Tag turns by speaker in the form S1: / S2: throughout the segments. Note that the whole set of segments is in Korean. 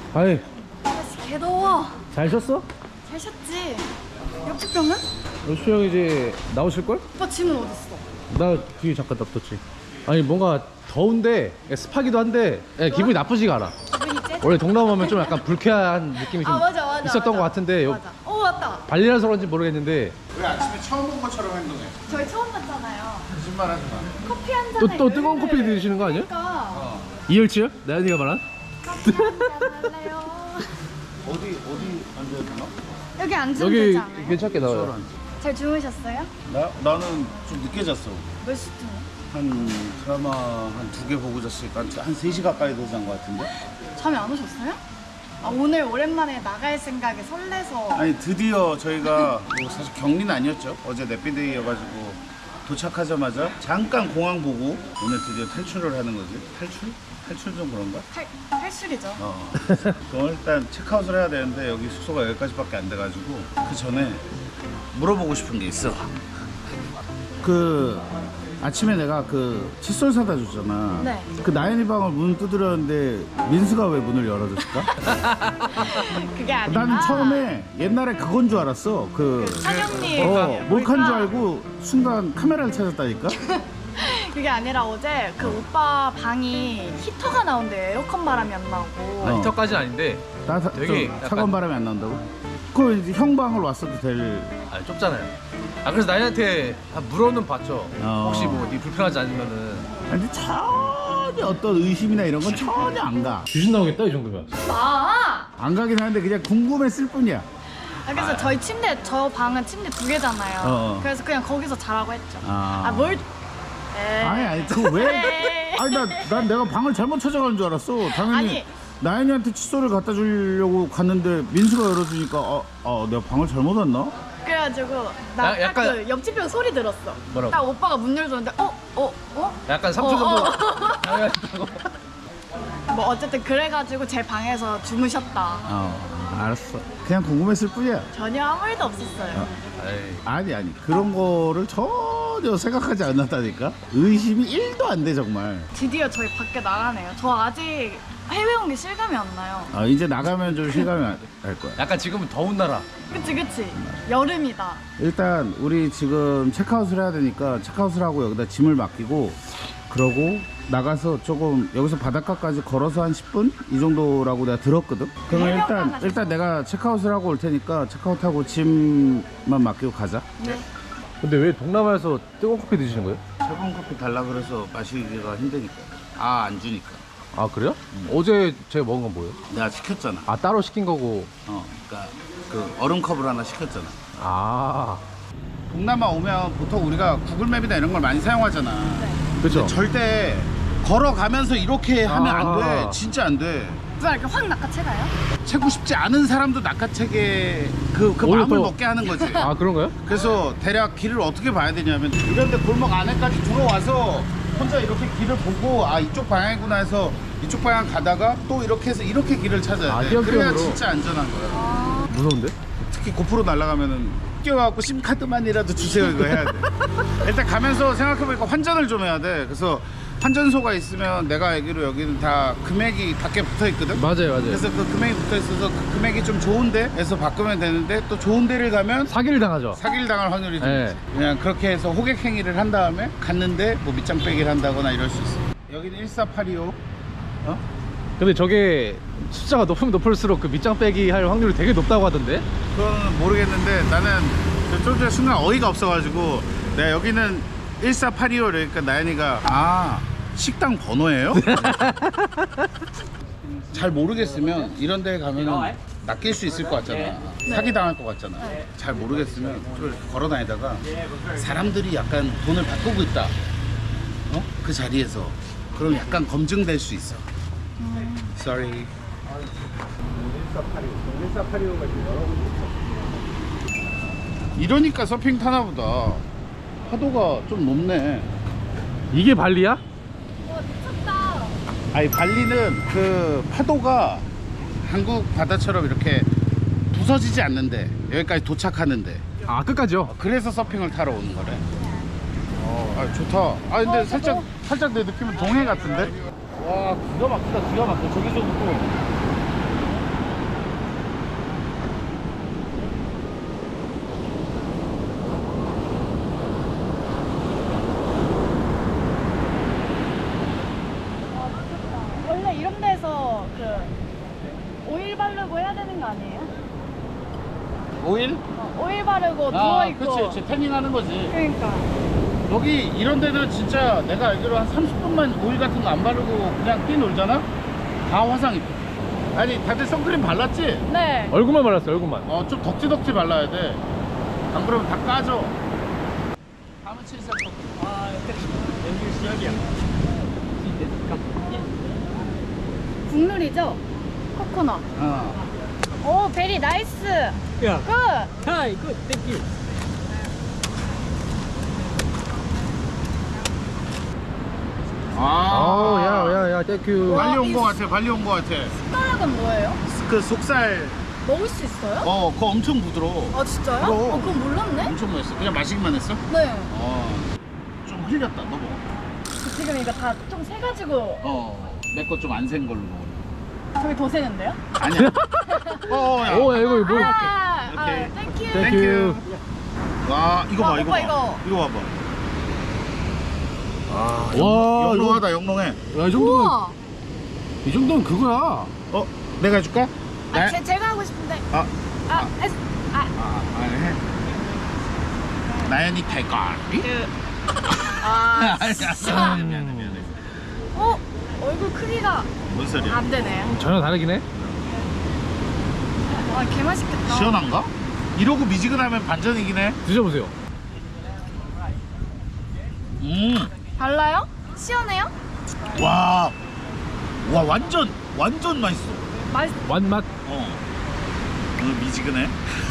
S1: 아이,
S2: 아저씨 개 더워.
S1: 잘 쉬었어?
S2: 잘 쉬었지? 옆집 병은?
S1: 수영 이제 나오실걸?
S2: 오빠 짐은 어딨어?
S1: 나 뒤에 잠깐 놔뒀지. 아니 뭔가 더운데 습하기도 한데 기분이 나쁘지가 않아.
S2: 기분이 째?
S1: 원래 동남아 오면 좀 약간 불쾌한 느낌이 좀
S2: 맞아,
S1: 있었던
S2: 맞아.
S1: 것 같은데
S2: 맞아. 맞다.
S1: 발리라서 그런지 모르겠는데
S3: 왜 아침에 처음 본 것처럼 행동해?
S2: 저희 처음 봤잖아요.
S3: 거짓말하지 마.
S2: 커피 한 잔에
S1: 또 뜨거운 커피 드시는 거 아니야?
S2: 그러니까
S1: 이열치요? 나연이가 말한?
S2: 커피 한 잔 할래요?
S3: 어디 앉아야 되나?
S2: 여기 앉으면
S1: 여기
S2: 되지 않아요?
S1: 괜찮게 나와요.
S2: 잘 주무셨어요?
S3: 나는 좀 늦게 잤어.
S2: 몇 시쯤에?
S3: 한 드라마 한 2개 보고 잤으니까 한 3시 가까이 되지 않은 것 같은데?
S2: 잠이 안 오셨어요? 아, 오늘 오랜만에 나갈 생각에 설레서.
S3: 아니 드디어 저희가 뭐 사실 격리는 아니었죠. 어제 넷비데이여가지고 도착하자마자 잠깐 공항 보고 오늘 드디어 탈출을 하는 거지. 탈출 좀 그런가?
S2: 탈출이죠.
S3: 그럼 일단 체크아웃을 해야 되는데 여기 숙소가 여기까지밖에 안 돼가지고 그 전에 물어보고 싶은 게 있어. 그 아침에 내가 그 칫솔 사다 줬잖아.
S2: 네.
S3: 그 나연이 방을 문 두드렸는데 민수가 왜 문을 열어줬을까?
S2: 그게 아니라.
S3: 나는 처음에 옛날에 그건 줄 알았어. 그
S2: 사장님.
S3: 몰카인 줄 알고 순간 카메라를 찾았다니까.
S2: 그게 아니라 어제 그 오빠 방이 히터가 나온대. 에어컨 바람이 안 나오고.
S1: 히터까지는 아닌데
S3: 나
S1: 되게
S3: 좀
S1: 약간-
S3: 차가운 바람이 안 나온다고? 그거 이제 형 방을 왔어도 될.
S1: 좁잖아요. 그래서 나연이한테 물어는 봤죠. 혹시 뭐 네 불편하지 않으면은.
S3: 근데 전혀 어떤 의심이나 이런 건 전혀 안 가.
S1: 귀신 나오겠다 이 정도면.
S3: 안 가긴 하는데 그냥 궁금했을 뿐이야.
S2: 그래서 저 방은 침대 2개잖아요. 그래서 그냥 거기서 자라고 했죠. 뭘?
S3: 아니 그거 왜?
S2: 에이.
S3: 아니 난 내가 방을 잘못 찾아가는 줄 알았어. 당연히
S2: 아니.
S3: 나연이한테 칫솔을 갖다 주려고 갔는데 민수가 열어주니까 내가 방을 잘못 왔나?
S2: 그래가지고 나 딱
S1: 약간-
S2: 그 옆집 형 소리 들었어.
S1: 뭐라고?
S2: 딱 오빠가 문 열었는데
S1: 약간 3초 정도 당황했다고.
S2: 뭐 어쨌든 그래가지고 제 방에서 주무셨다.
S3: 알았어. 그냥 궁금했을 뿐이야.
S2: 전혀 아무 일도 없었어요.
S3: 아니 그런 거를 전혀 생각하지 않았다니까. 의심이 1도 안 돼 정말.
S2: 드디어 저희 밖에 나가네요. 저 아직 해외 온 게 실감이 안 나요.
S3: 이제 나가면 좀 실감이 날 거야.
S1: 약간 지금은 더운 나라.
S2: 그치 여름이다.
S3: 일단 우리 지금 체크아웃을 해야 되니까 체크아웃을 하고 여기다 짐을 맡기고 그러고 나가서 조금 여기서 바닷가까지 걸어서 한 10분? 이 정도라고 내가 들었거든? 그러면
S2: 해변가나
S3: 일단 내가 체크아웃을 하고 올 테니까 체크아웃하고 짐만 맡기고 가자.
S2: 네.
S1: 근데 왜 동남아에서 뜨거운 커피 드시는 거예요?
S3: 차가운 커피 달라 그래서 마시기가 힘드니까. 안 주니까.
S1: 아 그래요? 어제 제가 먹은 건 뭐예요?
S3: 내가 시켰잖아.
S1: 따로 시킨 거고.
S3: 그러니까 그 얼음컵을 하나 시켰잖아. 동남아 오면 보통 우리가 구글맵이나 이런 걸 많이 사용하잖아.
S1: 그렇죠.
S3: 절대 걸어가면서 이렇게 하면 안 돼. 진짜 안 돼.
S2: 누가 이렇게 확 낚아채가요?
S3: 채고 싶지 않은 사람도 낚아채게 그
S1: 오히려
S3: 마음을
S1: 더-
S3: 먹게 하는 거지.
S1: 그런가요?
S3: 그래서 대략 길을 어떻게 봐야 되냐면 이런데 골목 안에까지 들어와서 혼자 이렇게 길을 보고 이쪽 방향이구나 해서 이쪽 방향 가다가 또 이렇게 해서 이렇게 길을 찾아야 돼. 그래야
S1: 띄엄띄엄으로.
S3: 진짜 안전한 거야.
S1: 무서운데?
S3: 특히 고프로 날아가면은 끼워갖고 심카드만이라도 주세요 이거 해야 돼. 일단 가면서 생각해보니까 환전을 좀 해야 돼. 그래서 환전소가 있으면 내가 알기로 여기는 다 금액이 밖에 붙어 있거든.
S1: 맞아요.
S3: 그래서 그 금액이 붙어 있어서 그 금액이 좀 좋은데에서 바꾸면 되는데 또 좋은 데를 가면
S1: 사기를 당하죠.
S3: 사기를 당할 확률이 좀
S1: 네.
S3: 있지. 그냥 그렇게 해서 호객 행위를 한 다음에 갔는데 뭐 밑장 빼기를 한다거나 이럴 수 있어. 여기는 14825.
S1: 근데 저게 숫자가 높으면 높을수록 그 밑장 빼기 할 확률이 되게 높다고 하던데?
S3: 그건 모르겠는데 나는 좀 전에 순간 어이가 없어가지고 내가 여기는 14825 그러니까 나연이가 식당 번호예요? 잘 모르겠으면 이런 데 가면은 낚일 수 있을 것 같잖아. 사기 당할 것 같잖아. 잘 모르겠으면 좀 이렇게 걸어 다니다가 사람들이 약간 돈을 바꾸고 있다. 그 자리에서 그럼 약간 검증될 수 있어. Sorry. 1485가 지금 이러니까 서핑 타나 보다. 파도가 좀 높네.
S1: 이게 발리야?
S2: 미쳤다.
S3: 아니 발리는 그 파도가 한국 바다처럼 이렇게 부서지지 않는데 여기까지 도착하는데
S1: 끝까지요?
S3: 그래서 서핑을 타러 오는 거래. 좋다. 근데 살짝 내 느낌은 동해 같은데? 와 기가 막히다. 저기서부터
S2: 바르고 해야 되는 거 아니에요?
S3: 오일?
S2: 오일 바르고
S3: 아,
S2: 누워있고.
S3: 그치. 태닝 하는 거지.
S2: 그러니까.
S3: 여기 이런 데는 진짜 내가 알기로 한 30분만 오일 같은 거 안 바르고 그냥 뛰놀잖아? 다 화상 입혀. 아니, 다들 선크림 발랐지?
S2: 네.
S1: 얼굴만 발랐어, 얼굴만.
S3: 좀 덕지덕지 발라야 돼. 안 그러면 다 까져. 다음은 7살
S2: 국룰이죠? 코코넛. 오, 베리 나이스.
S4: Yeah.
S2: 굿.
S4: Hi, good, thank you.
S1: 야, 땡큐.
S3: 발리 온 거 같아, 발리 온 거 같아.
S2: 숟가락은 뭐예요?
S3: 그 속살,
S2: 먹을 수 있어요?
S3: 그거 엄청 부드러워.
S2: 아, 진짜요?
S3: 그럼.
S2: 그건 몰랐네?
S3: 엄청 맛있어. 그냥 마시기만 했어?
S2: 네.
S3: 좀 흘렸다, 너 먹어.
S2: 지금 이거 다 좀 세가지고
S3: 내 거 좀 안 센 걸로.
S2: 저기 더 세는데요?
S3: 아니야. 야.
S1: 오, 야, 이거 뭐.
S3: 오케이.
S2: 땡큐.
S1: 땡큐.
S3: 와, 이거 봐,
S2: 와,
S3: 이거
S2: 오빠,
S3: 봐.
S2: 이거.
S3: 이거 봐봐.
S1: 와,
S3: 영롱하다, 영롱해.
S1: 야, 이 정도면,
S2: 우와.
S1: 이 정도면 그거야.
S3: 내가 해줄까?
S2: 제가 하고 싶은데.
S3: 아,
S2: 에스.
S3: 해. 나연이 탈걸. 미안해.
S2: 얼굴 크기가
S3: 뭔 소리야?
S2: 안 되네.
S1: 전혀 다르긴 해.
S2: 와, 개 맛있겠다.
S3: 시원한가? 이러고 미지근하면 반전이긴 해.
S1: 드셔보세요.
S2: 달라요? 시원해요?
S3: 와, 완전 맛있어.
S2: 맛있.
S1: 완맛.
S3: 오늘 미지근해.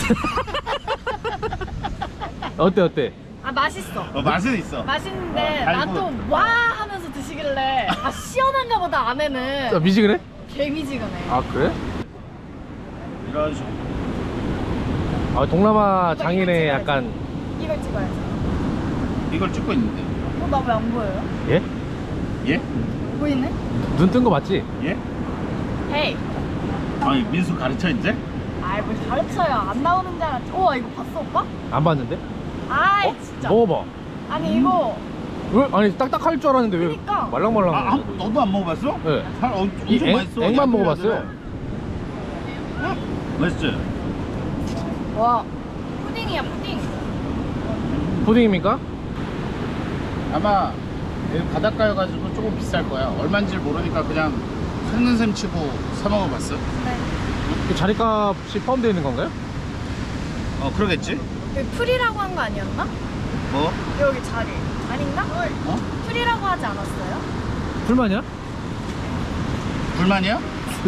S1: 어때?
S2: 아, 맛있어.
S3: 맛은 있어.
S2: 맛있는데
S3: 달고.
S2: 나도 와 하면서 드시길래 시원한가 보다
S1: 야,
S2: 안에는
S1: 미지근해?
S2: 개미지근해.
S1: 아, 그래?
S3: 이런 식으로.
S1: 아, 동남아 장인의 약간,
S2: 이걸 찍어야죠.
S3: 이걸 찍고 있는데.
S2: 나 왜 안 보여요?
S1: 예?
S3: 예?
S2: 보이네?
S1: 눈 뜬 거 맞지?
S3: 예?
S2: 헤이.
S3: 아니, 민수 가르쳐 이제?
S2: 아이, 뭘 가르쳐요. 안 나오는 줄 알았지. 우와, 이거 봤어, 오빠?
S1: 안 봤는데?
S2: 아이, 진짜.
S1: 먹어봐.
S2: 아니, 이거
S1: 왜? 아니, 딱딱할 줄 알았는데 왜
S2: 그니까.
S1: 말랑말랑해?
S3: 너도 안 먹어봤어?
S1: 네.
S3: 엄청
S1: 이
S3: 맛있어.
S1: 액만
S3: 얇은
S1: 먹어봤어요.
S3: 애들은. 맛있지?
S2: 와, 푸딩이야, 푸딩.
S1: 푸딩입니까?
S3: 아마 여기 바닷가여가지고 조금 비쌀 거야. 얼마인지 모르니까 그냥 속는 셈 치고 사 먹어봤어.
S2: 네.
S1: 그 자리값이 포함되어 있는 건가요?
S3: 그러겠지?
S2: 여기 풀이라고 한 거 아니었나?
S3: 뭐?
S2: 여기 자리. 아닌가? 풀이라고 하지 않았어요?
S1: 불만이야?
S3: 불만이야?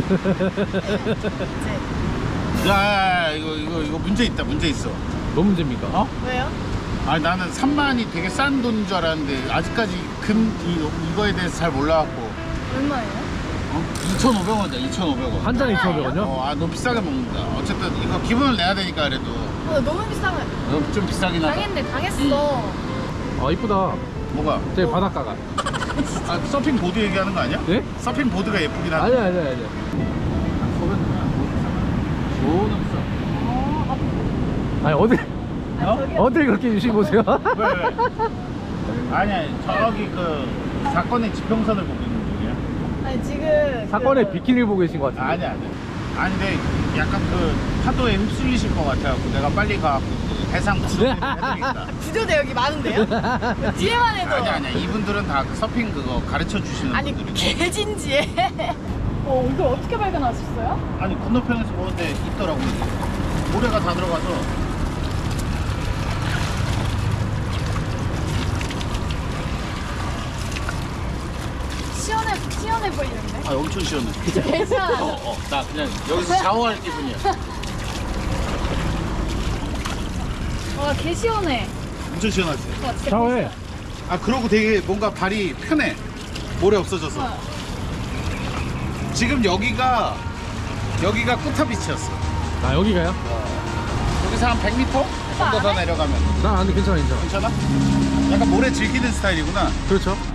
S2: 이제.
S3: 야, 이거 문제 있다. 문제 있어.
S1: 뭐 문제입니까?
S2: 왜요?
S3: 아니, 나는 3만이 되게 싼 돈인 줄 알았는데 아직까지 이거에 대해서 잘 몰라갖고.
S2: 얼마예요?
S3: 2,500원이다. 2,500원.
S1: 한 잔에 2,500원이요?
S3: 너무 비싸게 먹는다. 어쨌든 이거 기분을 내야 되니까 그래도
S2: 너무 비싸면
S3: 좀 비싸긴 하다.
S2: 당했네, 당했어.
S1: 아, 이쁘다.
S3: 뭐가?
S1: 저기 바닷가가.
S3: 서핑 보드 얘기하는 거 아니야?
S1: 네?
S3: 서핑 보드가 예쁘긴 하다.
S1: 아니야.
S3: 좋은 없어.
S1: 아니, 어디,
S2: 저기요.
S1: 어딜 그렇게 유심 보세요?
S3: 왜? 아니야, 저기 그 사건의 지평선을 보고 있는 중이야.
S2: 아니, 지금.
S1: 사건의 비키니를 보고 계신 것 같은데.
S3: 아니야. 아니, 근데 약간 그 파도에 휩쓸리실 것 같아갖고 내가 빨리 가갖고 그 해상 구조대를 해드리겠다.
S2: 구조대 여기 많은데요? 뒤에만 해도.
S3: 아니야. 이분들은 다 그 서핑 그거 가르쳐 주시는
S2: 아니,
S3: 분들이고.
S2: 개진지해. 이걸 어떻게 발견하셨어요?
S3: 아니, 건너편에서 보는데 있더라고. 이게. 모래가 다 들어가서.
S2: 시원해 보이는데?
S3: 엄청 시원해.
S2: 개 시원하다.
S3: 나 그냥 여기서 샤워할 기분이야.
S2: 와, 개 시원해.
S3: 엄청 시원하지?
S2: 와, 진짜
S1: 샤워해.
S3: 그러고 되게 뭔가 발이 편해. 모래 없어져서. 지금 여기가 꾸타비치였어.
S1: 아, 여기가요?
S3: 여기서 한 100m 정도 더 내려가면
S1: 난 안 돼, 괜찮아.
S3: 괜찮아? 약간 모래 즐기는 스타일이구나.
S1: 그렇죠.